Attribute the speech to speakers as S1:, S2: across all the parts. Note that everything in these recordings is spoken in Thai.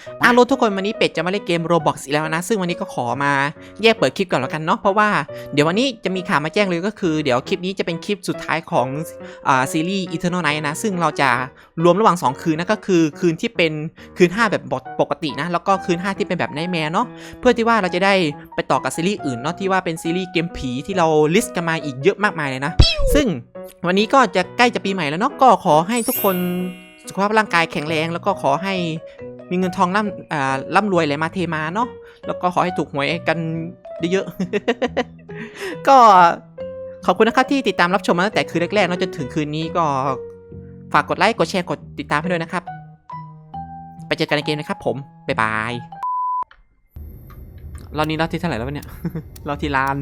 S1: โลทุกคนวันนี้เป็ดจะมาเล่นเกม Roblox อีกแล้วนะซึ่งวันนี้ก็ขอมาแยกเปิดคลิปก่อนแล้วกันเนาะเพราะว่าเดี๋ยววันนี้จะมีข่าวมาแจ้งเลยก็คือเดี๋ยวคลิปนี้จะเป็นคลิปสุดท้ายของซีรีส์ Eternal Night นะซึ่งเราจะรวมระหว่าง2คืนนะก็คือคืนที่เป็นคืน5แบบปกตินะแล้วก็คืน5ที่เป็นแบบไนท์แมร์เนาะเพื่อที่ว่าเราจะได้ไปต่อกับซีรีส์อื่นเนาะที่ว่าเป็นซีรีส์เกมผีที่เราลิสต์กันมาอีกเยอะมากมายเลยนะซึ่งวันนี้ก็จะใกล้จะปีใหม่แล้วเนาะก็ขอให้ทุกคนสุขภาพร่างกายแข็งแรงแล้วก็ขอให้มีเงินทองร่ำรวยไหลมาเทมาเนาะแล้วก็ขอให้ถูกหวยกันเยอะๆ ก็ขอบคุณนะครับที่ติดตามรับชมมาตั้งแต่คืนแรกๆเนาะจนถึงคืนนี้ก็ฝากกดไลค์กดแชร์กดติดตามให้ด้วยนะครับไปเจอกันในเกมนะครับผมบ๊ายบายเรานี้เราที่เท่าไหร่แล้วเนี่ย เราที่ล้าน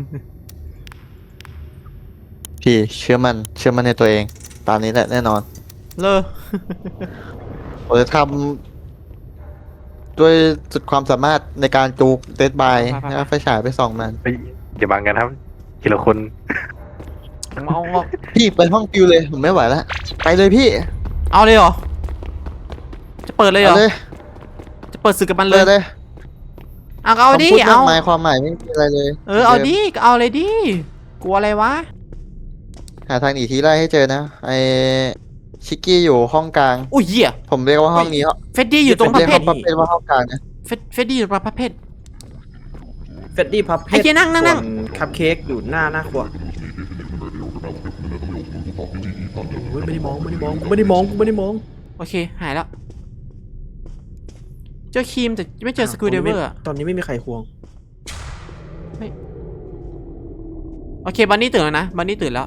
S2: พี่เชื่อมันในตัวเองตามนี้แหละแน่นอน
S1: เลอ
S2: ผมจะทำด้วยสุดความสามารถในการจูกเดดบายแล้วไฟฉายไปส่องมัน
S3: เฮ้ยอย่าบังกันครับทีละคน
S1: เอา
S2: พี่ไปห้องฟิวเลยผมไม่ไหวแล้วไปเลยพี่
S1: เอาเลยเหรอจะเปิดเลยเหรอ
S2: เลย
S1: จะเปิดศึกกับมันเล
S2: เปิ
S1: ย
S2: ดเลย
S1: เอาดิ
S2: คำพูด
S1: เอา
S2: มากมายความหมายไม่มีอะไรเลย
S1: เอาดิเอาเลยดิกลัวอะไรวะ
S2: หาทางหนีทีไล่ให้เจอนะไอชิกกี้อยู่ห้องกลาง
S1: อุ้ยเหี้ย
S2: ผมเรียกว่าห้องนี้
S1: เฟดดี้อยู่ตรง
S2: ผม
S1: ประ
S2: เรียก
S1: เภท
S2: ห้องประเภทว่าห้องกลางนะ
S1: เฟดดี้อยู่ตรงประเภท
S4: เฟดดี้พับเพ
S1: ไอ้เหี้ยนั่ง
S4: ส่วนคัพเค้กอยู่หน้าครัวโอ้ยไม่ได้มอง
S1: โอเคหายแล้วเจอครีมแต่ไม่เจอสกูเดเวอร์
S4: ตอนนี้ไม่มีใครควง
S1: โอเคบันนี่ตื่นแล้วนะบันนี่ตื่นแล้ว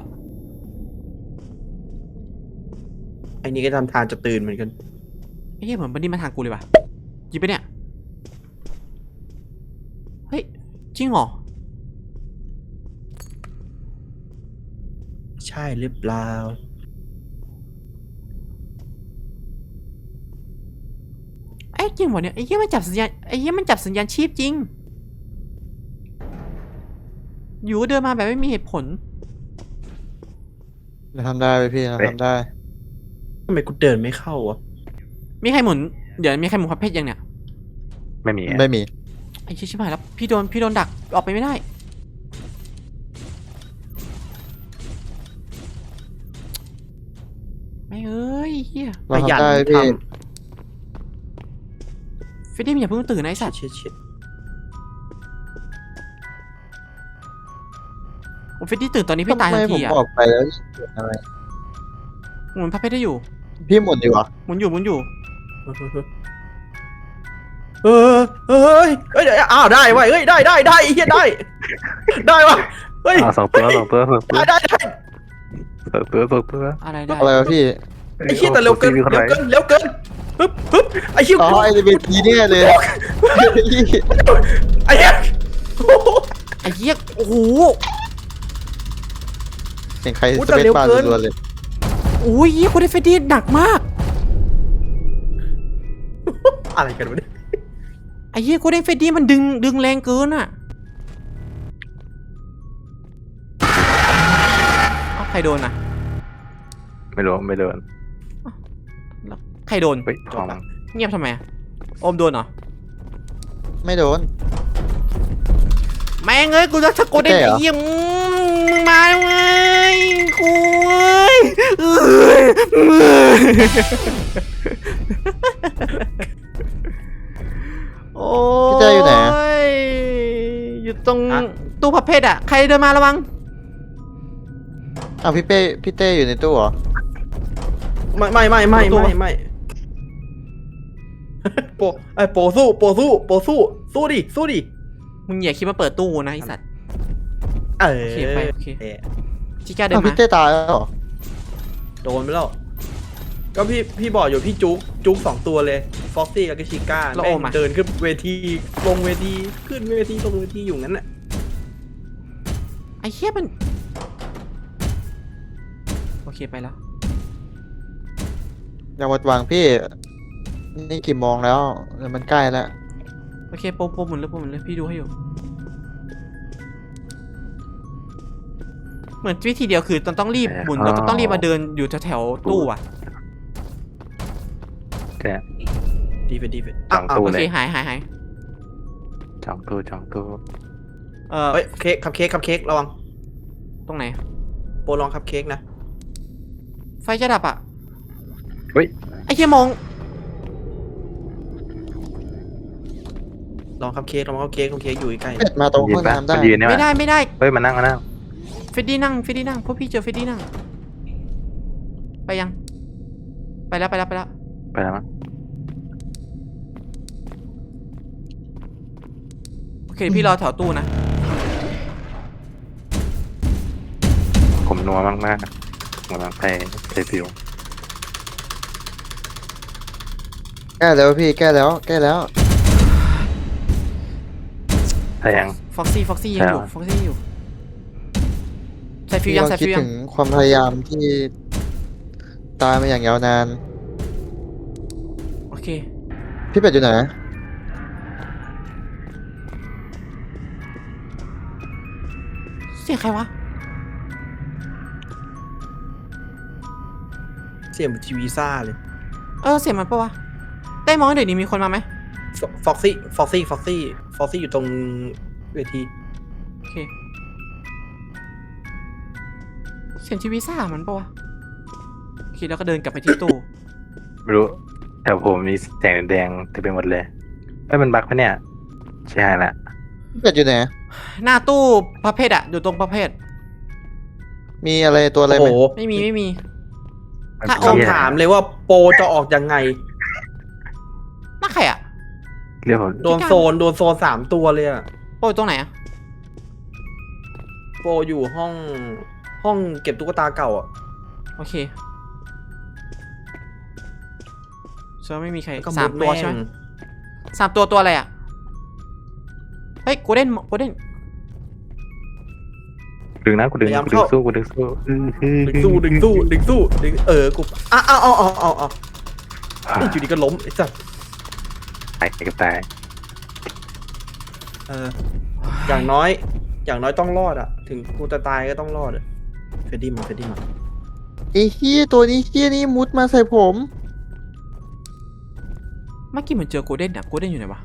S4: ไอ้นี่ก็ทำทานจะตื่นเหมือนกัน
S1: ไอ้เหี้ยเหมือนบันนี่มาทางกูเลยว่ะหยิบไปเนี่ยเฮ้ยจริงเหรอ
S4: ใช่หรือเปล่า
S1: ไอ้จริงเหรอเนี่ยไอ้เหี้ยมันจับสัญญาณไอ้เหี้ยมันจับสัญญาณชีพจริงอยู่เดินมาแบบไม่มีเหตุผล
S2: เราทำได้ไปพี่เราทำได้
S4: ทำไมกูเดินไม่เข้าวะ
S1: มีใครหมุนเดี๋ยวมีใครหมุนประเภทยังเนี่ย
S3: ไม่มี
S2: ไม่มี
S1: ไอ้เชี่ยชิบหายแล้วพี่โดนดักออกไปไม่ได้ไม่เอ้ยเฮีย
S2: เราทำได้พี่
S1: เฟดดี้มึงอย่าเพิ่งตื่นนะไอ้สัตว์
S4: ชิด
S1: โอ้เฟดดี้ตื่นตอนนี้พี่ตายทัน
S2: ทำไมผ
S1: ที
S2: ม
S1: อ่ะ
S2: ออกไปแล้วอะไร
S1: หมุนประเภทได้อยู่
S2: พี่หมุนดีวะ
S1: หมุนอยู่
S4: เฮ้ยอ้าวได้เว้ยเฮ้ยได้ไอ้เหี้ยได้วะเฮ้ย
S3: สองตัวสองตัว
S4: ได้
S1: อะไรได้
S2: อะไรวะพี่
S4: ไอ้เหี้ยแต่เร็วเกินปึ๊บไอ้เหี้ย
S2: อ๋อไอเวทีเนี่ยเลย
S4: ไอ้เหี้ย
S1: ไอ้เหี้ยโอ้โห
S2: เห็นใครสเปซบาร์รัวๆเลย
S1: โอ้ยเหี้ยคนได้เฟดดี้หนักมาก
S4: อะไรกันวะเนี่ย
S1: ไอ้เหี้ยคนได้เฟดดี้มันดึงแรงเกินอ่ะเอาใครโดนอ่ะ
S3: ไม่โดน
S1: แล้วใครโดน
S3: เฮ้ยทอง
S1: เงียบทำไมอะโอมโดนเหรอ
S2: ไม่โดน
S1: แม่งเอ้ยกูจะตะโกนได้
S2: ใช่เหรอ
S1: เยี่ยมมึงมาแล้วไงกูเอ้ยโอ้
S2: พี่เต้อยู่ไหน
S1: อยู่ตรงตู้พับเพชรอะใครเดินมาระวัง
S2: อ้าวพี่เต้อยู่ในตู้เหรอ
S4: ไม่โปสู้ดิ
S1: มึงอย่าคิดมาเปิดตู้นะไอสัตว์ โอเคไปโอเค ชิก้าเดิน
S2: อ้าว
S1: มา
S2: พี่เต้ตายแล้วเหรอ
S4: โดนไปแล้วก็พี่บอกอยู่พี่จุ๊ก2ตัวเลยฟ็อกซี่กับชิก้าแม่งเดินขึ้นเวทีลงเวทีขึ้นเวทีลงเวทีอยู่งั้นแหละ
S1: ไอ้เหี้ยมันโอเคไปแล้ว
S2: อย่าหมดหวังพี่ นี่กี่โมงแล้วมันใกล้แล้ว
S1: โอเคโปรหมุนเลยพี่ดูให้อยู่ เหมือนวิธีเดียวคือต้องรีบหมุนแล้วก็ต้องรีบมาเดินอยู่แถวๆตู้อ่ะ
S3: แต่
S4: ดีเฟดดีเฟด
S3: จองตู้
S1: โอ
S3: เล
S1: เค
S3: ย
S1: หาย
S3: จองตู้จองตู้
S4: เฮ้ยเค้กคัพเค้กระวัง
S1: ตรงไหน
S4: โปรลองคัพเค้กนะ
S1: ไฟจะดับอ่ะ
S3: เฮ้ย
S1: ไอ้เหี้ยมอง
S4: ลองคัพเค้กอยู่ใกล้
S2: เป็ดมาตรงห้องน้ำได้
S3: มันยืนเนี่ย
S1: ไม่ได้
S3: เฮ้ยมานั่ง
S1: เฟดดี้นั่งพวกพี่เจอเฟดดี้นั่ง ไปยัง ไปแล้ว
S3: ไปแล้วมั้ง
S1: โอเคพี่รอแถวตู้นะ
S3: ผมนัวมากๆผมไปฟิว
S2: แก้แล้วพี่แก้แล้ว
S3: แต่ยัง
S1: ฟ็อกซี่ยังอยู่
S3: ใช่
S1: ฟ็อกซี่อยู่ ใส่ฟิว
S2: พี่
S1: ยัง
S2: ลอง
S1: ใส่
S2: คิด
S1: ฟิวยั
S2: ถึ
S1: ง
S2: งความพยายามที่ตายมาอย่างยาวนาน
S1: โอเค
S2: พี่เป็ดอยู่ไหน
S1: เสียงใครวะ
S4: เสียงทีวีซ่าเลย
S1: เสียงมันปะวะ ได้มองให้หน่อยดิมีคนมาไหม
S4: ฟ็อกซี่อยู่ตรงเวที
S1: โอเค เสียงทีวีซ่ามันปะวะ โอเคแล้วก็เดินกลับไปที่ตู้
S3: ไม่รู้แต่ผมมีแสงแดงเต็มไปหมดเลยเฮ้ยมันบั๊กปะเนี่ยใช่ละ
S2: พี่เป็ดอยู่ไหน
S1: หน้าตู้ประเภทอะอยู่ตรงประเภท
S2: มีอะไรตัวอะไร
S4: โอ้
S2: ไหม
S4: โห
S1: ไม่มี
S3: มัน
S1: ถ้า
S3: เป็น
S4: ต้อง
S3: เหี้ย
S4: ถามเลยว่าโปรจะออกยังไง
S1: หน้าใครอะ
S3: เรียกผม
S4: โดนโซน3 ตัวเลยอะ
S1: โอ้ยตรงไหนอะ
S4: โปรอยู่ห้องเก็บตุ๊กตาเก่าอะ
S1: โอเคเชื่อไม่มีใคร
S4: ก็
S1: สาม
S4: ด
S1: ตัว
S4: แง
S1: ใช่ไหม3 ตัวอะไรอะเฮ้ยกูเด่น
S3: ดึงนะกูดึงสู้
S4: ดึงสู้กูเอานี่อยู่ดีก็ล้มไอ้สัส
S3: ตายกับตาย
S4: อย่างน้อยต้องรอดอะถึงกูจะตายก็ต้องรอดอะเฟดดี้มา
S2: ไอ้เฮียตัวนี้เฮียนี่มุดมาใส่ผม
S1: เมื่อกี้เหมือนเจอโกลเด้นอะโกลเด้นอยู่ไหนวะ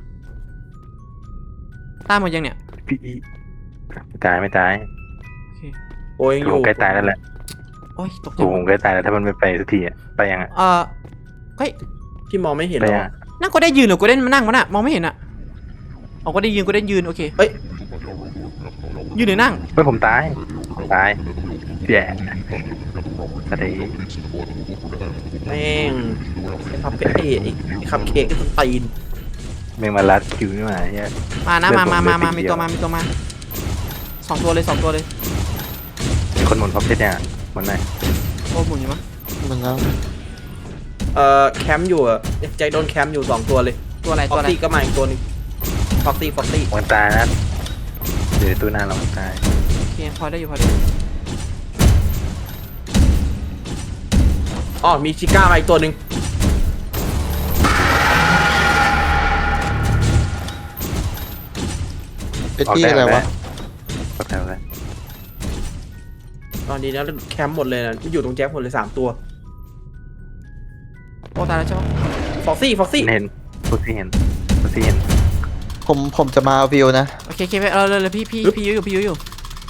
S1: ตายหมดยังเนี่ย
S3: พี่ไม่ตาย
S1: โอเค
S4: โอ้ยอยู่
S3: ผมใกล้ตายแล้วแหละ
S1: โอ้ยตกใจ
S3: ผมใกล้ตายแล้วถ้ามันไม่ไปสักทีอ่ะไปยังอ่ะ
S1: เฮ้ย
S4: ที่มองไม่เห็น
S3: ไป
S4: หร
S3: ยัง
S4: อ
S1: นั่งโกลเด้นยืนหรือโกลเด้นมานั่งวะน่ะมองไม่เห็นอะโกลเด้นยืนโอเค
S4: เฮ้ย
S1: ยืนหรือนั่ง
S3: เฮ้ยผมตายแย่อะไร
S4: แม่งไอ้คัพเค้กไอ้คัพเค้กก็ต้องตีน
S3: แม่งมาลัดคิวนี่มาเนี่ย
S1: มานะ
S3: เลือด
S1: มา
S3: ผม
S1: มี
S3: เลือด
S1: ตัว
S3: ติดเดียว
S1: มาสองตัวเลย
S3: มีคนหมุนพ็อปเพชรเนี่ยหมุนไหน
S1: โอ้หมุนอยู่มั้ง
S2: มันแล้ว
S4: แคมป์อยู่อะใจโดนแคมป์อยู่2 ตัวเลย
S1: ตัวอะไร
S4: ฟ็อกซี่ก็มาอีกตัวนึงฟ็อกซี่
S3: มันตายนะเดี๋ยวตู้หน้าเราตาย
S1: โอเคพอได้อยู่
S4: อ๋อมีชิก้ามาอีกตัวนึง
S2: เป็นที่อะไรวะ
S3: ก็แถวเลย
S4: ตอนนี้นะแคมป์หมดเลยนะอยู่ตรงแจ็คหมดเลย3 ตัว
S1: โอ้ตายแล้วใช่ปะ
S4: ฟ็อกซี่
S3: เห็นพูดที่เห็น
S2: ผมจะมาเอาวิวนะ
S1: โอเคไปเลยพี่ยื้ออยู่
S4: ยื้ออยู่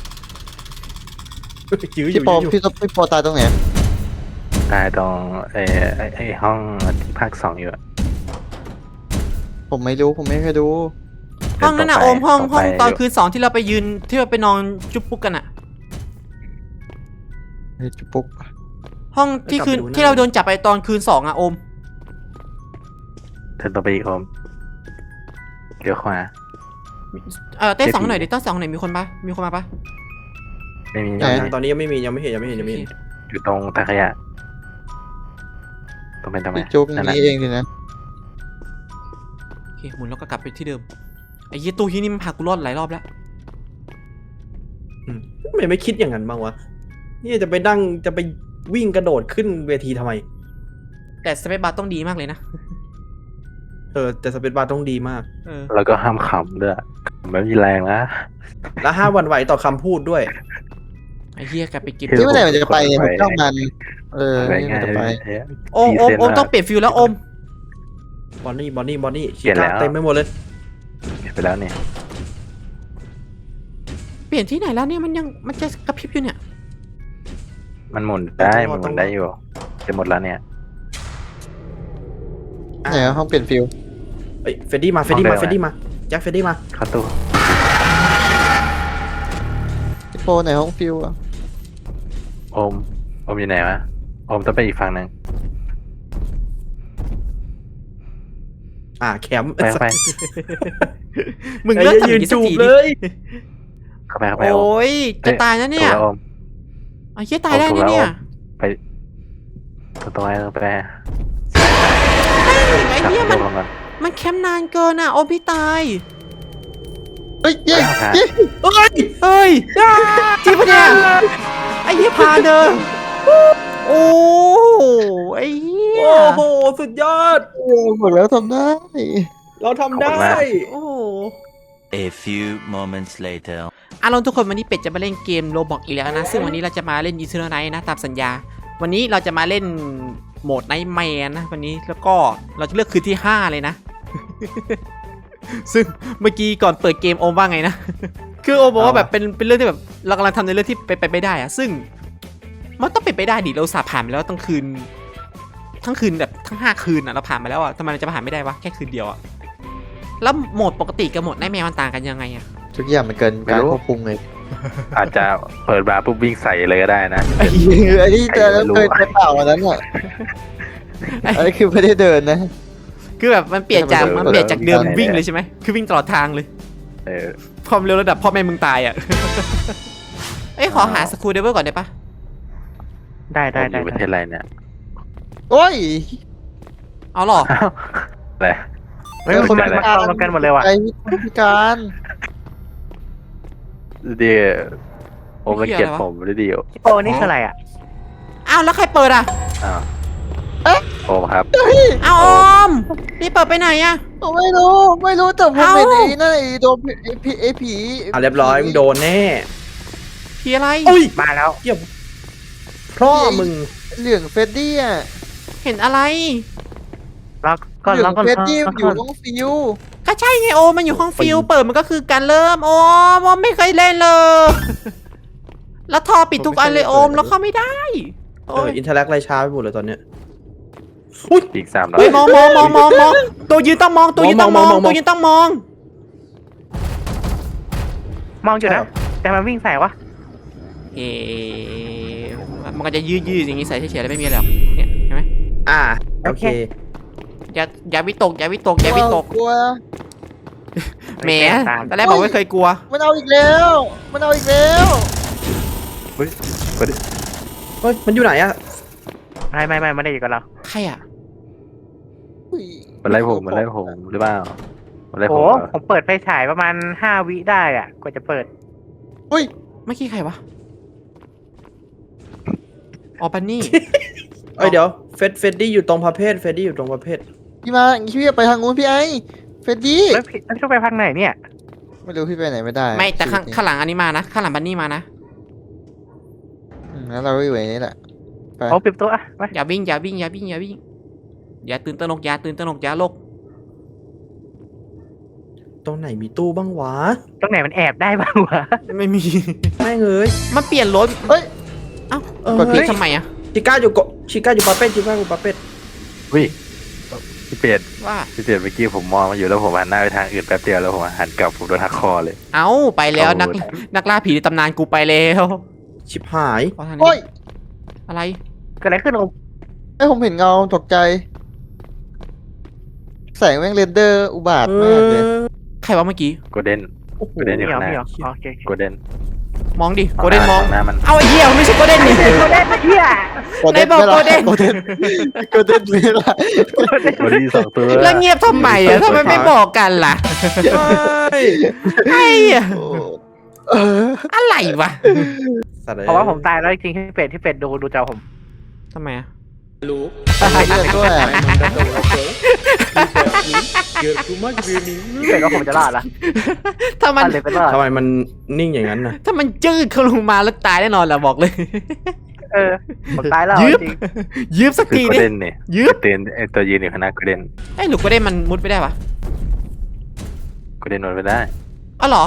S2: พี่ปอพี่ปอตายตรงไหน
S3: ตายตรงไอ้ห้องที่ภาค2อยู่อะ
S2: ผมไม่รู้ผมไม่เคยดู
S1: ห้องนั้นน่ะโอมห้อง
S3: ไป
S1: ตอนคืน2ที่เราไปยืนที่เราไปนอนจุ๊บปุ๊กกันอะ
S2: เฮ้ยจุปุ๊ก
S1: ห้องที่คืนที่เราโดนจับไปตอนคืน2อะโอม
S3: เดินต่อไปอีกผมเดี๋ยวขวา
S1: เต้2หน่อยดิเต้2หน่อยมีคนมาปะ
S3: ไม่มี
S4: ตอนนี้ยังไม่เห็น
S3: อยู่ตรงตาขยะตรงเป็นทำไม
S2: พี่จุ๊บ
S3: นั่นน่ะ
S2: นี่เองสินะ
S1: โอเคหมุนแล้วก็กลับไปที่เดิมไอ้ยี่ตู้ที่นี่มันพากูรอดหลายรอบแล้ว
S4: ทำไมไม่คิดอย่างนั้นบ้างวะนี่จะไปวิ่งกระโดดขึ้นเวทีทำไม
S1: แต่สเปซบาร์ต้องดีมากเลยนะ
S4: แต่สเปซบาร์ต้องดีมาก
S3: แล้วก็ห้ามขำด้วยไม่มีแรงนะ
S4: และห้ามหวั่นไหวต่อคำพูดด้วย
S1: ไอ้เหี้ยกลับไปกิน
S2: ที่เมื่อไหร่มันจะไปเนี่ยผมจ้องมัน
S3: อะไร
S2: นี่
S3: ง่าย
S2: มันจะไป
S1: โอมต้องเปลี่ยนฟิลแล้วโอม
S4: บอนนี่ชิ
S3: เปลี่ยนแล้
S4: ก้าว เต็มไปหมดเลย
S3: เห็นไปแล้วเนี่ย
S1: เปลี่ยนที่ไหนแล้วเนี่ยมันจะกระพริบอยู่เนี่ย
S3: มันหมุนได้มันหมุนได้อยู่จะหมดแล้วเนี่ย
S2: ไหนอะห้องเปลี่ยนฟิล
S4: เอ้ยเฟดดี้มาแจ็คเฟดดี้มา
S3: เข้าตู้
S2: พี่โปไหนห้องฟิลอะ
S3: โอมอยู่ไหนวะโอมต้องไปอีกฝั่งหนึ่ง
S4: แคมป์
S3: ไปเข้าไป
S1: มึงเลิกทำอย่างนี้สักทีดิ
S3: เข้าไป
S1: โอ้ยจะตายนะเนี่ย
S3: ถูกแล้วโอม
S1: เอาเหี้ยตายได้นะเนี่ย
S3: ไปตรงไหนตรงไป
S1: ไอ้
S3: จับ
S1: เหี้ย
S3: ตั
S1: มัน
S3: วก่อน
S1: มันแคมป์นานเกินอ่ะโอ้พี่ตาย
S2: เฮ้ยเย้
S3: ครับ
S2: เย้
S4: เอ้ย
S1: เฮ้ยจริงปะเนี่ยไอ้เหี้ยพาเดินโอ้ไอ้เหี้ย
S4: โอ้โหสุดยอด
S2: บอกแล้วทำได้
S4: เราทำได้
S1: โอ้
S5: A few moments later.
S1: ลองทุกคนวันนี้เป็ดจะมาเล่นเกมโรบอกอีกแล้วนะซึ่งวันนี้เราจะมาเล่น Eternal Night นะตามสัญญาวันนี้เราจะมาเล่นโหมด Nightmare นะวันนี้แล้วก็เราจะเลือกคืนที่ 5 เลยนะ ซึ่งเมื่อกี้ก่อนเปิดเกมโอมว่าไงนะ คือโอมบอกว่าแบบเป็นเรื่องที่แบบเรากำลังทำในเรื่องที่ไปไม่ได้อะซึ่งมันต้องเป็นไปได้ดิเราสาผ่านไปแล้วทั้งคืนแบบทั้ง5 คืนอะเราผ่านไปแล้วอะทำไมเราจะผ่านไม่ได้วะแค่คืนเดียวอะแล้วโหมดปกติกับโหมดNightmareมันต่างกันยังไงอะ
S2: ทุกอย่างมันเกินการควบคุมเลย
S3: อาจจะเปิดบาร์ปุ๊บวิ่งใส่เลยก็ได้นะ
S2: ไอ้ที่เจอแล้วเคยไปเปล่าวันนั้นอ่ะอันนี้คือไม่ได้เดินนะ
S1: คือแบบมันเปลี่ยนจาก
S2: เออ
S1: เดิม
S3: เออ
S1: วิ่งเลยใช่ไหมคือวิ่งตลอดทางเลย
S3: เออ
S1: ความเร็วระดับพ่อแม่มึงตายอ่ะ เอ้ยขอหาสกูเดเวอร์ก่อนได้ปะ
S3: ได้อยู่ประเทศอะไรเนี่ย
S2: โอ้ย
S1: เอาหรอ
S3: อ้าวอะไร
S2: ไม่มีคน
S3: อะไร
S2: มาเข้ากันหมดเลยว่ะไอ้พิการ
S3: เดี๋ยวโอมรังเกียจผมด้วยดิโอ
S6: โอ้นี่คืออะไรอ่ะ
S1: อ้าวแล้วใครเปิดอ่ะ
S3: อ้าวโอมครับ
S1: อ้าวออมนี่เปิดไปไหนอ่ะ
S2: ผมไม่รู้แต่ผม
S1: เอ้า
S2: เป็นไอ้นั่นไอ้โดนไอ้ผี
S4: เรียบร้อยมึงโดนแน่
S1: ผีอะไร
S4: อุ้ย
S6: มาแล้ว
S4: เยี่ยมพ่อมึง
S2: เหลืองเฟดดี้อ่ะ
S1: เห็นอะไร
S6: แล้วก็
S2: เหลื
S6: แล้
S2: อ
S6: ว
S2: ง
S6: ก็
S2: เฟดดี้
S6: แล้ว
S2: อ
S6: ก็
S2: ยู่ตรงฟิว
S1: ก็ใช่ไงโอมมันอยู่ห้องฟิลเปิดมันก็คือการเริ่มโอมไม่เคยเล่นเลย แล้วทอปิดทุกอันเลยโอมแล้วเข้าไม่ได้โอ้ย
S4: อินเทอร์แลกไรช้าไปหมดเลยตอนเนี้ย
S3: อีก300
S1: เฮ้ยมองตัวยืนต้องมองตัวยืนต้องมอง
S4: มอง
S1: ตัวยืนต้องมอง
S6: มองอยู่นะ แต่มันวิ่งใส่วะ
S1: เอ๊ะมันก็จะยืดอย่างงี้ใส่เฉยๆแล้วไม่มีอะไรหรอกเนี่ยเห็นไหม
S4: โอเค
S1: อย่าวิตกอย่าวิตก
S2: กลัว
S1: แหมตอนแรกบอกไม่เคยกลัว
S2: มันเอาอีกแล้วมันเอาอีกแล้ว
S3: เฮ้ย
S4: เฮ้ยมันอยู่ไหนอะ
S6: ไม่ไม่ได้อยู่กับเรา
S1: ใครอ่ะ
S2: อุ้ย
S3: มันไล่ผมหรือเปล่ามันไล่ผ
S6: โอ้
S3: มเหรอ
S6: ผมเปิดไฟฉายประมาณ5 วิได้อ่ะกว่าจะเปิด
S2: อุ้ย
S1: เมื่อกี้ใครวะอ๋อปันนี่
S4: เอ้ยเดี๋ยวเฟดดี้อยู่ตรงประเภทอยู่ตรงประเภท
S2: พี่มาพี่ไปทางนู้นพี่ไอ้เฟดดี้
S6: แล้วพี่ต้องไปพักไหนเนี่ย
S2: ไม่รู้พี่ไปไหนไม่ได้
S1: ไม่แต่ข้างหลังอันนี้มานะข้างหลังปันนี่มานะ
S2: งั้นเราก็อยู่ในนี้แหละ
S6: โอ้ปิดตัวอ่ะไป
S1: อย่าวิ่งอย่าตื่นตระหนกอย่าโลก
S4: ตรงไหนมีตู้บ้างวะ
S6: ตรงไหนมันแอบได้บ้างวะ
S1: ไม่มี
S4: แม่งเอ้ย
S1: มันเปลี่ยนรถ
S2: เฮ้ย
S1: เอ้าก
S2: ดผิด
S1: ทำไมอ่ะ
S4: ชิก้าอยู่ปาเป็ด
S3: วิพี่เป็ด
S1: ว่า
S3: เมื่อกี้ผมมองมาอยู่แล้วผมหันหน้าไปทางอื่นแป๊บเดียวแล้วผมหันกลับผมโดนหักคอเลย
S1: เอ้าไปแล้ว
S3: เอา
S1: นักล่าผีในตำนานกูไปแล้ว
S4: ชิบหาย
S1: เอาทาง
S2: โอ้
S1: นี้
S2: ย
S1: อะไร
S6: เกิดอะไรขึ้นโอ้
S2: ไอ้ผมเห็นเงาตกใจ แสงแม่งเรนเดอร์อุบาทมากเลย
S1: ใครวะเมื่อกี้
S3: โกลเด้น
S4: โอ้โห
S3: ไม่ได้
S6: ไม่
S3: เดี๋ยว
S6: เหรอ
S3: นะ
S6: ไม่เหรอโอเค
S3: โกลเด้น
S1: มองดิโกลเด้นมอง
S3: หน้ามัน
S1: เอาไอ้เหี้ยมันไม่ใช่โกลเด้นนี่
S6: โกลเด้นเฮีย
S1: ไหนบอกโกลเด้น
S2: โกลเด้นโกลเด้นไม่ละ
S3: โกลเด้น2 ตัว
S1: แล้วเงียบทำไมอ่ะทำไมไม่บอกกันล่ะ
S4: ใช่
S1: ไอ้เหี้ย
S2: โอ้เออ
S1: อะไรวะ
S4: สัตว์เลย
S6: เพราะว่าผมตายแล้วจริงๆที่เป็ดดูจอผม
S1: ทำไมอ่ะ
S4: รู้
S2: เลือดด้วยอะ
S4: เกิดกูมากคืนนี้
S6: เป็ดว่าผมจะรอดละ
S1: ถ้ามัน
S6: เลยเป็นรอด
S4: ทำไมมันนิ่งอย่างนั้นนะ
S1: ถ้ามันจืดเขาลงมาแล้วตายแน่นอนแหละบอกเลย
S6: ผมตายแล้ว
S1: ยืบ
S6: จริง
S1: ยืบสัก
S3: คือ
S1: ที
S3: โกล
S1: ดิ
S3: เด้นเนี่ย
S1: ยืบ
S3: เตือนไอตัวยืนอยู่ข้างหน้าโกลเด้น
S1: ไอ้หลุกก็ได้มันมุดไม่ได้ปะ
S3: โกลเด้นมันไม่ได้
S1: อ๋อเหรอ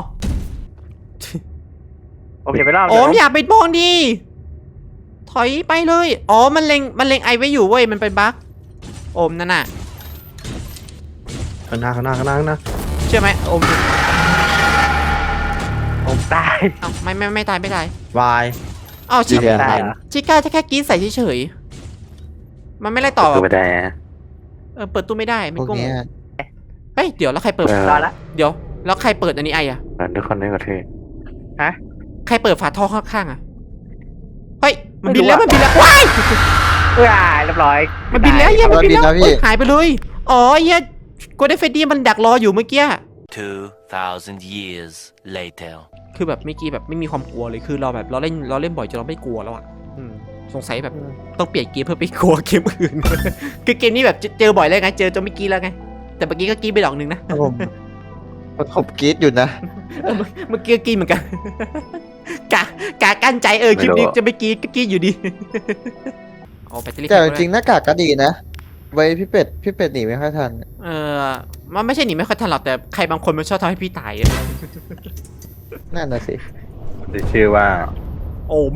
S6: ผมอย่าไปรอบ
S1: โอมอย่าไปมองดิถอยไปเลยอ๋อมันเล็งไอไว้อยู่เว้ยมันเป็นบั๊กโอมนั่นน่ะ
S4: ข้างหน้า
S1: เชื่อไหมโอม
S6: ผมตาย
S1: เอ้าไม่ตายไม่ตาย
S4: วาย
S1: อ้าวชิ
S2: เดี๋ยว
S6: ตายเหรอ
S1: ชิก้าจะแค่กรีดใส่เฉยๆมันไม่ไล่ต่อ
S3: ตัวไม่ได้ฮะ
S1: เปิดตู้ไม่ได้ไม่
S2: พวก
S1: โกง
S2: เนี้ย
S1: เฮ้ยเดี๋ยวแล้วใครเปิด
S6: รอละ
S1: เดี๋ยวแล้วใครเปิดอันนี้ไออะ
S3: ทุกคนได้กระเทย
S1: ใครเปิดฝาท่อข้างๆอะเฮ้ยมันบินแล้วว้าย
S6: เรียบร้อย
S1: มันบินแล้วเหี้ยมันบินแล้ว
S2: แล้วพี่
S1: เฮ้ยหายไปเลยอ๋อเหี้ยโกลเด้นเฟดดี้มันดักรออยู่เมื่อกี้
S5: 2,000 years later.
S1: คือแบบเมื่อกี้แบบไม่มีความกลัวเลยคือเราแบบเราเล่นบ่อยจนเราไม่กลัวแล้วอ่ะสงสัยแบบต้องเปลี่ยนเกมเพื่อไปกลัวเกมอื่น คือเกมนี้แบบเจอบ่อยแล้วไงเจอจนไม่อกี้แล้วไงแต่เมื่อกี้ก็กรีดไปดอกหนึ่งนะ
S2: ผมกรี๊ดอยู่นะ
S1: เมื่อกี้ก็กรีดเหมือนกัน กะกั้นใจคลิปนี้จะไม่กรีดก็กรีดอยู่ดี เอาแบตเตอรี่
S2: แต่จริงๆหน้ากากก็ดีนะ ไว้พี่เป็ดหนีไม่ค่อยทัน
S1: มันไม่ใช่หนีไม่ค่อยทันหรอกแต่ใครบางคนมันชอบทำให้พี่ตายอะ
S2: นั่นน่ะสิ
S3: ได้ชื่อว่า
S1: โอม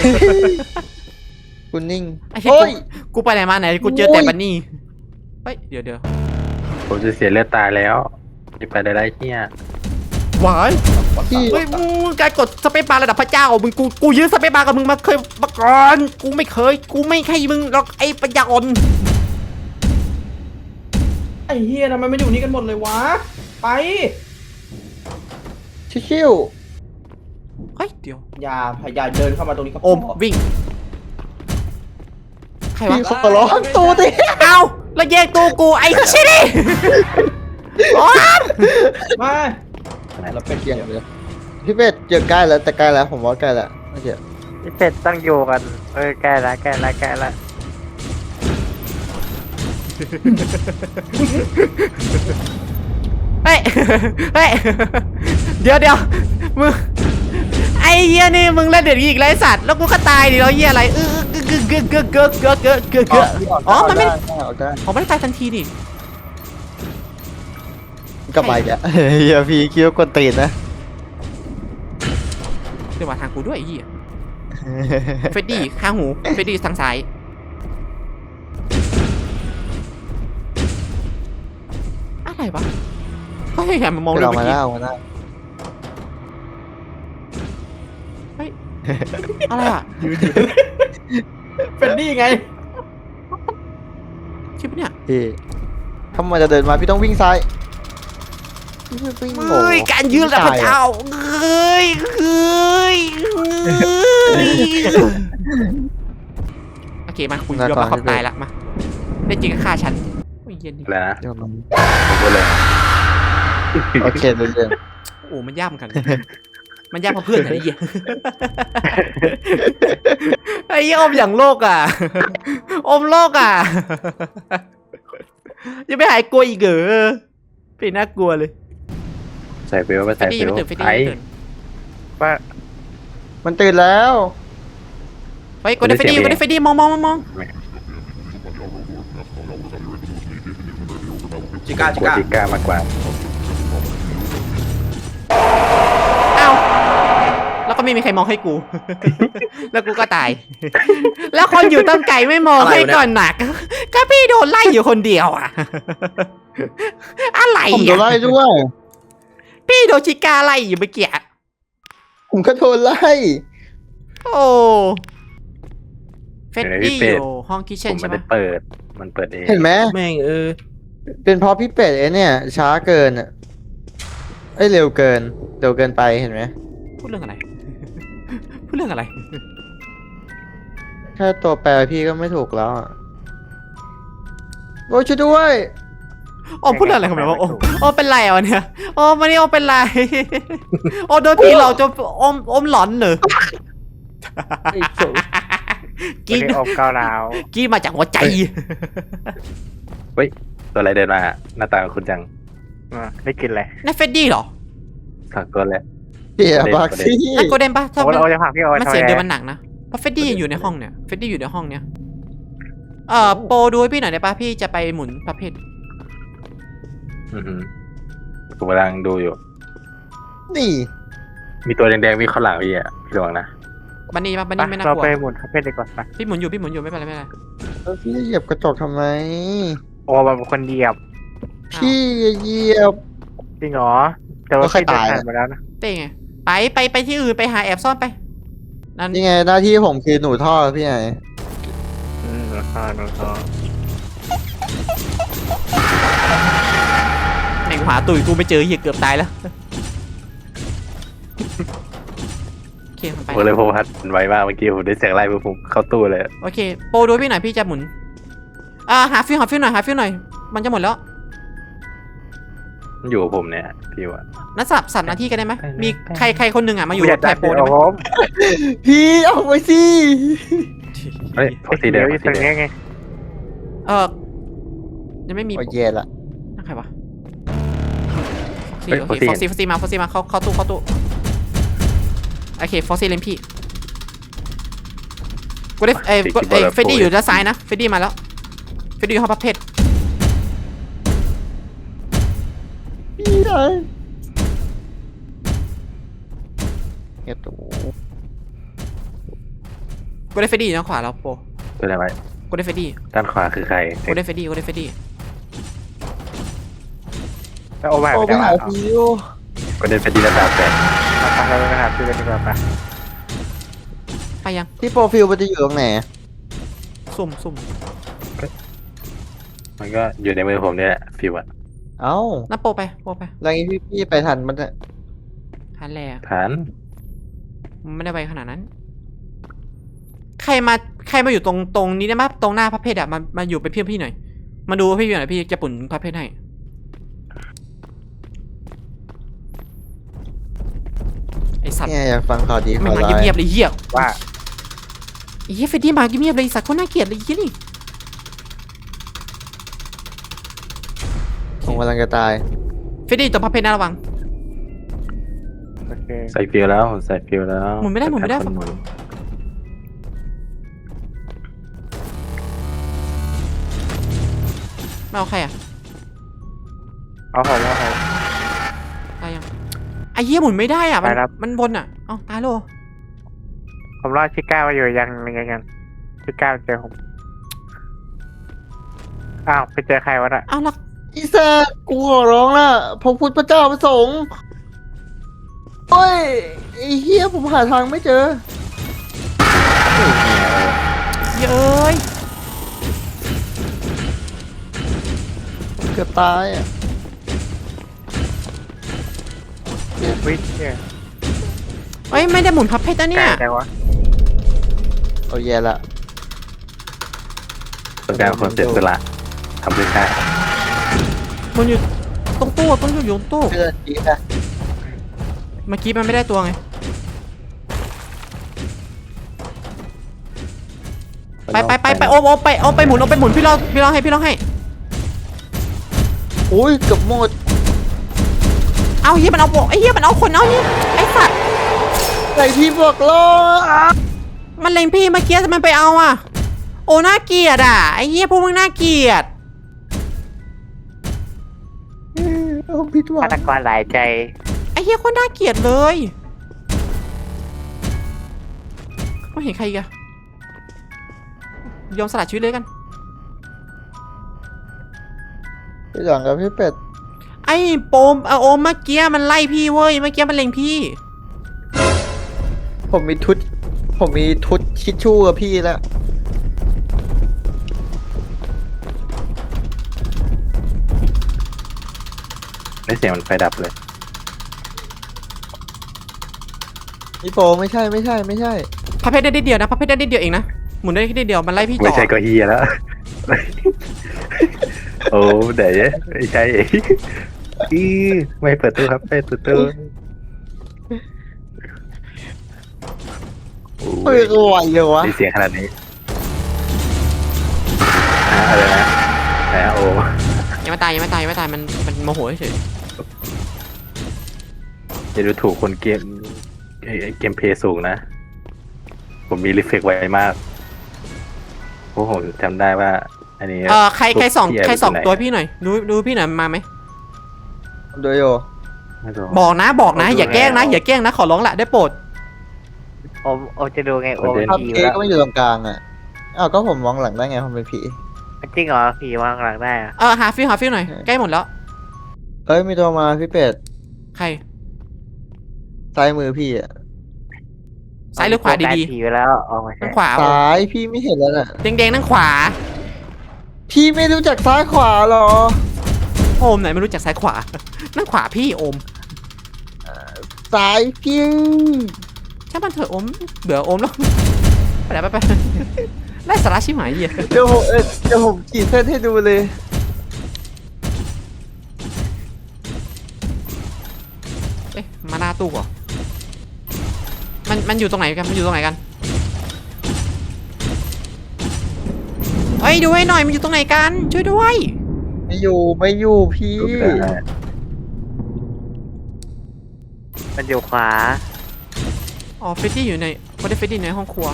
S2: คุณนิ่ง
S1: ไอ้เหี้ย
S2: โอ้ย
S1: กูไปไหนมาไหนกูเจอแต่บันนี่เฮ้ยเดี๋ยว
S3: ผมจะเสียเลือดตายแล้วจะไปได้ไรเฮีย
S1: หวาย
S2: พี่
S1: เฮ้ยมึงการกดสเปซบาร์ระดับพระเจ้ามึงกูยื้อสเปซบาร์กับมึงมาก่อนกูไม่ให้มึงหรอกไอ้ปัญญาอ่อน
S4: ไอ้เฮียทำไมไม่อยู่นี่กันหมดเลยวะไป
S2: ชิว
S1: เฮ้ยเดี๋ยว
S4: อย่าเดินเข้ามาตรงนี้ก็พ
S1: โอมวิ่งใคร
S2: ๆ
S1: วะ
S2: พี่ขอร้องตูดิ
S1: เอาแล้วแยกตัวกูไอ้ชิดิโอม
S4: มาเราเป็น
S2: เกี่ยงเลยพี่เป็ดเจอใกล้แล้วแต่ใกล้แล้วผมว่าใกล้แล้วไม่เจอ
S6: พี่เป็ดตั้งอยู่กันใกล้ละ
S1: เฮ้ยเดี๋ยวมึงไอ้เหี้ยนี่มึงเล่นเด็ดอีกไรสัตว์แล้วกูก็ตายดิแล้วเหี้ยอะไรอ๋อมันไม่
S2: ออกได้
S1: ผมไม่ได้ตายทันทีดิ
S2: กลับมาอีกอ่ะเฮียพี่คิดว่ากดตีนนะ
S1: เดี๋ยวมาทางกูด้วยไอ้เหี้ยเฟดดี้ข้างหูเฟดดี้ทางซ้ายอะไรวะเฮ้ยแหมมันมองเลย
S2: เรา
S1: เมื่
S2: มา
S1: อกี้
S2: แล้วมาแล้ว
S1: เฮ้ยอะไรอ่ะ
S4: เป็นนี่ไง
S1: ชิปเนี่ย
S2: พี่ถ้ามันจะเดินมาพี่ต้องวิ่งซ้ายวิ่งโง่
S1: เฮ้ยการยืนระดับพระเจ้าเฮ้ยโอเคมาคุณยอมรับความตายละมาได้จริงก็ฆ่าฉันโอ้ยเย็นดิ
S3: แล้วนะ
S2: เดี๋ยวมัน
S3: ผมพูดเลย
S2: โอเคเรื่อง
S1: โอ้มันยากเหมือนกัน มันยากเพราะเพื่อนไอ้เหี้ยไอ้เหี้ยอมอย่างโลกอ่ะอมโลกอ่ะยังไม่หายกลัวอีกเหรอเป็นน่ากลัวเลย
S3: ใส่เบลไป
S1: เฟ
S3: ใส่
S1: ดดี้
S3: เบ
S1: ยัง
S3: ล
S1: ไม่ตื่นเฟดดี้
S3: ไอ้
S1: ยังไม่ตื่น
S6: ว่า
S2: มันตื่นแล้ว
S1: เฮ้ยกดได้เฟดดี้มอง
S4: จิก้า
S3: กลัวจิก้ามากกว่า
S1: อ้าวแล้วก็ไม่มีใครมองให้กู แล้วกูก็ตาย แล้วคนอยู่ตั้งไกลไม่มองให้ก่อนหนัก ก็พี่โดนไล่อยู่คนเดียวอ่ะ อะไร
S2: ผมโดน
S1: อ่ะ
S2: ไล่ด้วย
S1: พี่โดนชิก้าไล่อยู่เมื่อกี้
S2: ผมก็โดนไล่
S1: โอ้เฟดดี้อยู่ห้องคิท
S3: ผ
S1: เช่น
S3: ม
S1: ใช่
S3: ไม่
S1: ไหม
S3: ได้เปิดมันเปิดเอง
S2: เห็นไหม
S4: แม่ง
S2: เป็นเพราะพี่เป็ดเนี่ยช้าเกินอ่ะเร็วเกินไปเห็นไหม
S1: พูดเรื่องอะไร พูดเรื่องอะไร
S2: แค่ตัวแปรพี่ก็ไม่ถูกแล้วอ่ะโอ้ยช่วยด้วย
S1: โอ้พูดเรื่องอะไรของเราวะโอ้เป็นไรอ่ะเนี่ยโอ้มานี่โอ้เป็นไร โอ้โดนผีหลอกจนอมหลอนเหรอ
S6: กินออกเกาหลาว
S1: กี้มาจากหัวใจ
S3: ตัวอะไรเดินมาหน้าตาคุณจัง
S6: ได้กินอะไร
S1: นั่นเฟดดี้เหรอ
S3: สักตัวแหละ
S2: เฮียบักซี่
S1: นั่นโกลเด้นปะ
S6: โอ้เราจะผลักพี่ออย
S1: มัน
S6: ทำ
S1: เสียง
S6: ไง
S1: เดียวมันหนักนะเพราะเฟดดี้ยังอยู่ในห้องเนี่ยเฟดดี้อยู่ในห้องเนี่ยโปรดูให้พี่หน่อยได้ปะพี่จะไปหมุนประเภท
S3: อือหือผมกำลังดูอยู่
S2: นี่
S3: มีตัวแดงๆมีข้างหลังพี่อ่ะพี่ระวังนะ
S1: บันนี่ปะบันนี่ไม่น่า
S6: เรา
S1: กลัว
S6: ไปหมุนคาเฟ่ดีกว่าไป
S1: พี่หมุนอยู่ไม่เป็นไรไม่เป็นไร
S2: แล้วพี่เหยียบกระจกทำไม
S6: โอ้มันเป็นคนเหยียบ
S2: พี่เหยียบ
S6: จริงเหรอแต่ว่า
S2: แล้วใคร
S6: พี่เดิน
S2: ตาย
S6: ผ่า
S2: อะ
S6: นมาแล้วนะ
S1: เต้ไงไปที่อื่นไปหาแอบซ่อนไปนั่น
S2: นี่ไงหน้าที่ผมคือหนูท่อพี่ไง
S6: นอนนอน
S1: แม่งหาตุ๋ยกูไม่เจอเหี้ยเกือบตายแล้วโอเคมันไป
S3: ผมเลยพบพัดมันไวมากเมื่อกี้ผมได้เสียงไล่ปุ๊บผมเข้าตู้เลย
S1: โอเคโปรดูให้พี่หน่อยพี่จะหมุนหาฟิวหน่อยมันจะหมดแล้ว
S3: มันอยู่กับผมเนี่ยพี่ว่า
S1: นัดสับหน้าที่กันได้ไหม
S3: ไปเลย
S1: มี
S3: ไป
S1: ใครคนหนึ่งอ่ะมาอยู่
S6: อ
S1: กั
S6: ยา
S1: บ
S6: ก
S1: แท
S6: ได้
S1: นโปรได้
S6: โอ้
S1: ไหม
S6: โห
S2: พี่เอาไปสิ
S3: เฮ้ยฟอสซี่
S6: เดี๋
S3: เดิ
S6: ยว
S3: ม
S6: อี
S3: ฟอส
S6: ตร
S3: ซี่
S6: ง
S3: เดิ
S6: นี้
S3: ม
S6: ไง
S1: ยังไม่มี
S2: โอ้ยแย่ละ
S1: นั่นใครวะโอเคฟอสซี่มาเข้าตู้โอเคฟอสซี่เล่นพี่กูได้เฟดดี้อยู่ด้านซ้ายนะเฟดดี้มาแล้วเฟดดี้อยู่ห้องประเภท
S2: พี่ไอ้เงี้ยตัว
S1: กูได้เฟดดี้อยู่ด้านขวาแล้วโป
S3: ตัวอะไรไว้
S1: กูได้เฟดดี้
S3: ด้านขวาคือใคร
S1: กูได้เฟดดี้
S6: แล้วโอ้ไป
S2: โอ้
S6: ไป
S2: ไป
S6: ไหน
S2: หา
S6: เอา
S2: พี่โอ
S3: ก็ได้เป็นดีระดับแปด
S6: เราไปหาซื้อกันดีกว่าไป
S1: ไปยัง
S2: ที่โปรฟิลมันจะอยู่ตรงไหน
S1: ซุ่ม
S3: มันก็อยู่ในมือผมเนี่ยแหละฟิวอะ
S2: เอ้า
S1: นั่นโปไป
S2: แล้วงี้พี่ไปทันมันจะ
S1: ทันแหละ
S3: ฐาน
S1: มันไม่ได้ไวขนาดนั้น ใครมาอยู่ตรงนี้ได้ไหมตรงหน้าพระเพทอะมาอยู่เป็นเพื่อนพี่หน่อยมาดูพี่หน่อยพี่จะปุ่นพระเพทให้ไอสัตว์
S2: เนี่ยอยากฟังข่าวดี
S1: ไม่
S2: ข่าว
S1: มา
S2: ร้าย
S1: เงียบๆเลยเหี้ย
S6: ว่า
S1: ไอ้เหี้ยเฟดดี้มาเงียบๆเลยไอ้สัตว์คนน่าเกลียดเลยไอ้เหี้ยนี่
S2: ผมกำลังจะตาย
S1: เฟดดี้ตัวพระเพทน่าระวัง
S6: โอเค
S3: ใส่ฟิวแล้วใส่ฟิวแล้ว
S1: หมุนไม่ได้
S3: คนหมุน
S1: ไม่เอาใครอะ
S6: เอาผม
S1: ตายยังไอ้เหี้ยหมุนไม่ได้อะมัน
S6: ไปครับ
S1: มันบนอะเอ้าตายโล
S6: ผมรอชิก้ามาอยู่ยังชิก้าเจอผมอ้าวไปเจอใครวะน่ะ
S1: เอ้าแล้ว
S2: อีแซกกูขอร้องละพระพุทธพระเจ้าพระสงฆ์โอ้ยไอ้เฮียผมหาทางไม่เจอ
S1: เย้ย
S2: เกือบตายอ่ะ
S6: วิ่งเนี่ย
S1: เอ้ยไม่ได้หมุนพับเพชรนะ
S6: ไก
S1: เนี่
S6: ล
S1: ย
S6: จังวะ
S2: เอาแย่ละ
S3: ต้องการคนเสียสละทำด้วยกัน
S1: มันอยู่ตรงตู้อะต้องอยู่ตรงตู้
S2: เพื่อนดีนะ
S1: เมื่อกี้มันไม่ได้ตัวไงไปโอมไปหมุนพี่รอให้
S2: อุ้ยเกือบหมด
S1: เอาเฮียมันเอาไอ้เฮียมันเอาคนเอาเฮียไอ้สัตว์
S2: ไอ้ที่บอกล้อ
S1: มันเล็งพี่เมื่อกี้ทำไมไปเอาอ่ะโอ้น่าเกลียดอ่ะไอ้เฮียพวกมึงน่าเกลียด
S2: เอาผิดหวั
S6: ฆาง ตกรหลายใจ
S1: ไอ้เฮียคนน่าเกลียดเลยไม่เห็นใครอีกอะยอมสละชีวิตเลยกัน
S2: พี่หลังกับพี่เป็ด
S1: ไอ้โปมโอมเมื่อกี้มันไล่พี่เว้ยเมื่อกี้มันเล็งพี่
S2: ผมมีทุดชิชชู่กับพี่แล้ว
S3: ได้เสียงมันไฟดับเลย
S2: นี่โปไม่ใช่
S1: พับเพชรได้นิดเดียวนะพับเพชรได้นิดเดียวเองนะหมุนได้แค่นิดเดียวมันไล่พี่จ่
S3: ไม่
S1: อ
S3: ใช่ก็เฮียแล้ว โอ้เดี๋ยวไม่ใช่อีไม่เปิดตู้ครับไม่เปิดตู้
S2: เฮ้ยก็ไหวเลยวะ
S3: มีเสียงขนาดนี้อะไรนะโอ้
S1: ยังไม่ตายมันโมโหเฉย
S3: จะดูถูกคนเกมเพย์สูงนะ ผผมมีรีเฟกไวมากเพราะผมจำได้ว่า อันนี้
S1: ใครส่อง
S3: ที่
S1: ใครส่อง
S3: อยู่ไหน
S1: ตัวพี่หน่อยดูพี่หน่อยมาไหม
S2: โดยโย
S3: ไม่รู้
S1: บอกนะ
S3: ผมดู
S1: อย่าแกล้งนะ
S3: แล้ว
S1: อย่าแกล้งนะขอร้องละได้โปรด
S6: โอมจะดูไงโอม
S2: ภาพ
S6: ผี
S2: เค้
S6: แล้ว
S2: ก็ไม่อยู่ตรงกลางอ่ะอ้าวก็ผมมองหลังได้ไงผมเป็นผี
S6: จริงเหรอผีวางหลังได้อะ
S1: หาฟิลหน่อยใกล้หมดแล้ว
S2: เอ้ยมีตัวมาพี่เป็ด
S1: ใคร
S2: ซ้ายมือพี่อ่ะ
S1: ซ้ายหรือขวาดี
S6: ผีไปแล้วออกมา
S1: ๆ
S6: ใช่
S1: นั่งขวา
S2: ซ้ายพี่ไม่เห็นแล้วน่ะ
S1: แดงๆนั่งขวา
S2: พี่ไม่รู้จักซ้ายขวาหรอ
S1: โอมไหนไม่รู้จักซ้ายขวา นั่งขวาพี่โอม
S2: ซ้ายพี่
S1: ช่างมันเถอะโอมเบื่อโอมแล้วไปไล่สาระชิบหายเหี้ย
S2: เดี๋ยวผมขีดเส้นให้ดูเลย
S1: เอ๊ะมาหน้าตู้เหรอมันอยู่ตรงไหนกันเอ้ยดูให้หน่อยมันอยู่ตรงไหนกันช่วยด้วย
S2: ไม่อยู่พี่
S3: ดูไม่ได้
S6: มันอยู่ขวา
S1: อ๋อเฟดดี้อยู่ในเขาได้เฟดดี้ในห้องครัว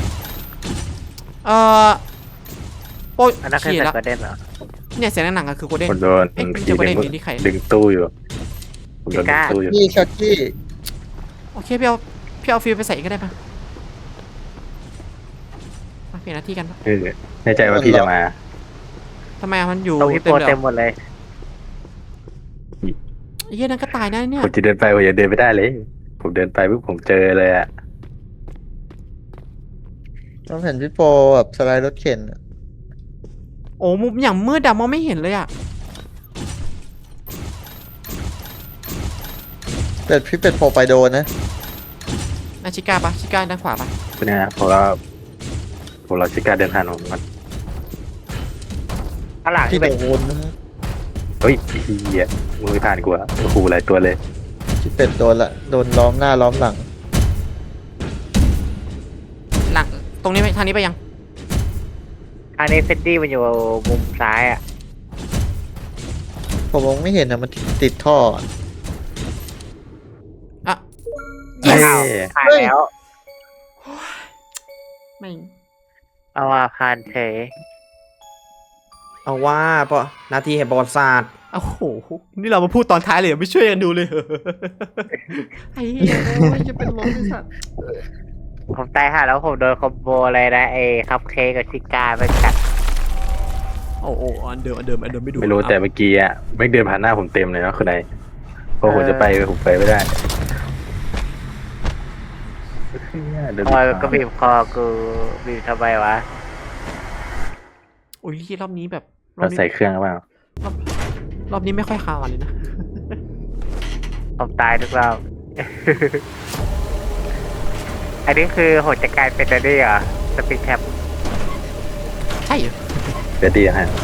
S1: โอ้ย
S6: อันนั้นคือ
S1: เขีย
S6: แต่
S1: แล้ว
S6: ประเด็นเหรอ
S1: เนี่ยเสียงหนังๆอะคือโกลเด้น
S3: ผมโดน
S1: เอ๊ะ
S3: ผี
S1: จะประเด็น
S3: ดึง
S1: อยู่ที่ใคร
S3: ดึงตู้อยู่ผมโดนดึงตู้อยู่
S2: พี่ช็อตกี้
S1: โอเคพี่เอาฟิลไปใส่ก็ได้ปะมาเปลี่ยนหน้าที่กันปะ
S3: แน่ใจว่าพี่จะมา
S1: ทำไมอะมันอยู่
S6: ตรงที่โป
S1: เต็ม
S6: ร
S1: เลย
S6: เต็ม
S1: เหรอ
S6: หมดเลย
S1: ไอ้เหี้ยนั่นก็ตายนะเนี่ย
S3: ผมจะเดินไปผมยังเดินไม่ได้เลย ผมเดินไปปุ๊บผมเจอเลยอะ
S2: ต้องเห็นพี่โปแบบสไลด์รถเข็นอะ
S1: โอ้มุมอย่างมืดดำมองไม่เห็นเลยอะ
S2: แต่พี่เป็ดโผล่ไปโดนนะ
S1: นาชิก้าปะชิก้าด้านขวาปะ
S3: เป็นไงนะเพราะว่าผมรอชิก้าเดินผ่านผมมัน
S6: ข้างหลัง
S2: พี่
S6: ที่เป็น
S2: โดนนะ
S3: เฮ้ยเฮียมึงไม่ผ่านกูอะโอ้โหหลายตัวเลย
S2: พี่เป็ดโดนละโดนล้อมหน้าล้อมหลัง
S1: หลังตรงนี้ไปทางนี้ไปยัง
S6: อันนี้เฟดดี้มันอยู่มุมซ้ายอ่ะ
S2: ผมมองไม่เห็นนะมันติดท่ออะ
S1: อ่ะ
S3: เฮ้
S1: yes
S3: ย
S6: ผ่านแล้ว
S1: ไม่
S6: เอามาผ่านเฉย
S4: เอาว่าปะนาทีแห่งประวัติศาสตร์
S1: โอ้โหนี่เรามาพูดตอนท้ายเลยเหรอไม่ช่วยกันดูเลยเหรอไอ้เหี้ยโอ้ยจะเป็นลมไอ้สัตว์
S6: ผมตายห่าแล้วผมโดนคอมโบอะไรนะคัพเค้กกับชิก้าไปกัด
S1: โอ้อันเดิมไม่ดู
S3: ไม่รู้แต่เมื่อกี้อะไม่งเดินผ่านหน้าผมเต็มเลยนะคุณนายพอผมจะไปผมไปไม่ได้เดิน
S6: คอยก็บีบคอกูบีบทำไมวะ
S1: โอ้ยรอบนี้แบบรอ
S3: เรา
S1: บนี้
S3: ใส่เครื่องหรือเปล่าร
S1: อบนี้ไม่ค่อยคาวเลยนะ
S6: ผมตายทุกรอบ อันนี้คือโหดจะกลายเป็นอะไรเหรอสปีดแท็บ
S1: ใช่เหรอ
S3: เดี๋ยวดีนะฮะ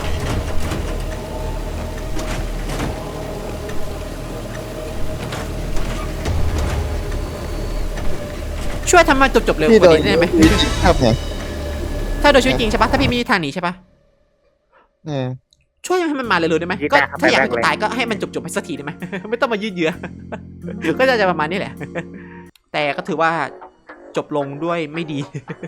S1: ช่วยทำมันจบๆเร็ว
S2: พี่
S1: ก
S2: โด
S1: ว่าน นี้ได้ไหม
S2: ครับไง
S1: ถ้าโดยชีวิตจริงใช่ปะถ้าพี่มีทางหนีใช่ปะ
S2: เนี่ย
S1: ช่วยให้มันมาเร็วๆได้ไหมก็ถ้าอยากให้มันตายก็ให้มันจบๆไปสักทีได้ไหม ไม่ต้องมายืดเยื้อ ก็จะประมาณนี้แหละ แต่ก็ถือว่าจบลงด้วยไม่ดี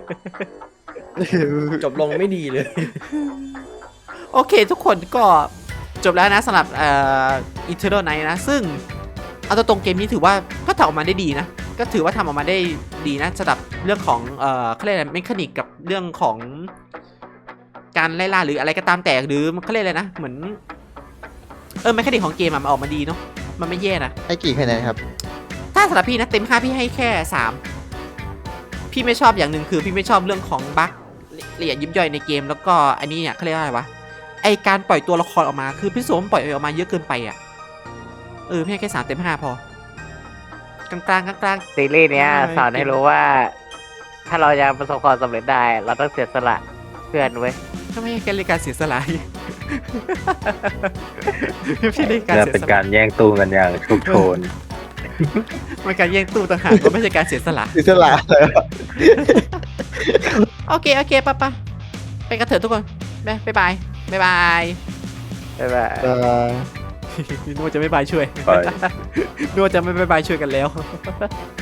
S4: จบลงไม่ดีเลย
S1: โอเคทุกคนก็จบแล้วนะสำหรับEternal Night นะ ซึ่งเอาตัวตรงเกมนี้ถือว่าก็ทำออกมาได้ดีนะ ก็ถือว่าทำออกมาได้ดีนะสำหรับเรื่องของเขาเรียกอะไรเมคานิกกับเรื่องของการไล่ล่าหรืออะไรก็ตามแต่หรือเขาเรียกอะไรนะเหมือนเมคานิกของเกมอะมันออกมาดีเนาะมันไม่แย่นะ
S2: ให้กี่คะแนนครับ
S1: ถ้าสำหรับพี่นะเต็ม5พี่ให้แค่3พี่ไม่ชอบอย่างหนึ่งคือพี่ไม่ชอบเรื่องของบั๊กละเอียดยิบย่อยในเกมแล้วก็อันนี้เนี่ยเขาเรียกว่าอะไรวะไอการปล่อยตัวละครออกมาคือพี่โสมปล่อยออกมาเยอะเกินไปอ่ะพี่ให้แค่3 เต็ม 5พอกลางๆ
S6: ซีรีส์เนี้ย
S1: ไม่
S6: สอนให้รู้ว่า ถ้าเราจะประสบความสำเร็จได้ เราต้องเสียสละเพื่อนเว้ย
S1: ถ้าไม่ให้แกเลยการเสียสละ พี่ได้การ
S3: จะ
S1: เสีย
S3: เป็น
S1: ส
S3: กา
S1: ละ
S3: รแย่งตู้กันอย่างชุกโชน
S1: มันการแย่งตู้ต่างหากก็ไม่ใช่การเสียสละ
S2: อิสระเลย
S1: โอเคปะไปกันเถอะทุกคนบ๊ายบาย
S6: ใช่ป่ะ
S1: นึกว่าจะไม่บายช่วย
S3: ไป
S1: นึกว่าจะไม่บายช่วยกันแล้ว